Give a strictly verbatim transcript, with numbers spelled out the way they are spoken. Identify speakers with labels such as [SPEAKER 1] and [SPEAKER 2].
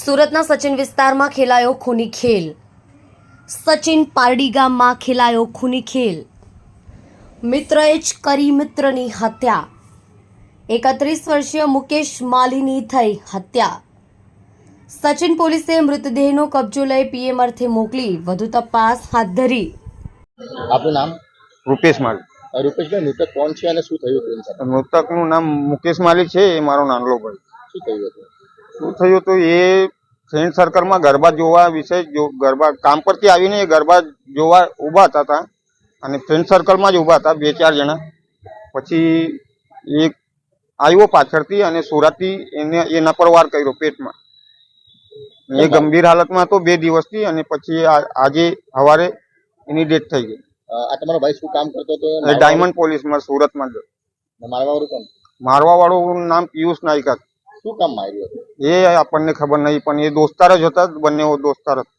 [SPEAKER 1] સુરતના સચિન વિસ્તારમાં ખેલાયો ખૂની ખેલ। સચિન પારડી ગામમાં ખેલાયો ખૂની ખેલ। મિત્રએ જ કરી મિત્રની હત્યા। એકત્રીસ વર્ષીય મુકેશ માલીની થઈ હત્યા। સચિન પોલીસે મૃતદેહનો કબજો લઈ પીએમ અર્થે મોકલી વધુ તપાસ હાથ ધરી।
[SPEAKER 2] आपનું नाम?
[SPEAKER 3] રૂપેશ માલી।
[SPEAKER 2] રૂપેશ ભાઈ, મૃતક કોણ છે અને શું થયું તેની સાથે?
[SPEAKER 3] મૃતકનું નામ મુકેશ માલી છે। એ મારો નાનલો ભાઈ।
[SPEAKER 2] શું થયું હતું?
[SPEAKER 3] શું થયું તો એ ફ્રેન્ડ સર્કલમાં ગરબા જોવા વિશે જો ગરબા કામ પરથી આવીને એ ગરબા જોવા ઊભા હતા અને ફ્રેન્ડ સર્કલમાં જ ઊભા હતા બે ચાર જણા। પછી એક આવ્યો પાછળથી અને સુરતથી એને એના પર વાર કર્યો પેટમાં। એ ગંભીર હાલતમાં હતો બે દિવસથી અને પછી આજે સવારે એની ડેથ થઈ ગઈ।
[SPEAKER 2] આ તમારો ભાઈ શું કામ કરતો હતો?
[SPEAKER 3] એ ડાયમંડ પોલીસમાં સુરતમાં જ।
[SPEAKER 2] મારવા વાળું કોણ?
[SPEAKER 3] મારવા વાળું નામ પિયુષ નાયકા।
[SPEAKER 2] શું કામ માર્યું હતું?
[SPEAKER 3] એ આપણને ખબર નહીં, પણ એ દોસ્તાર જ હતા, બંને દોસ્તાર હતા।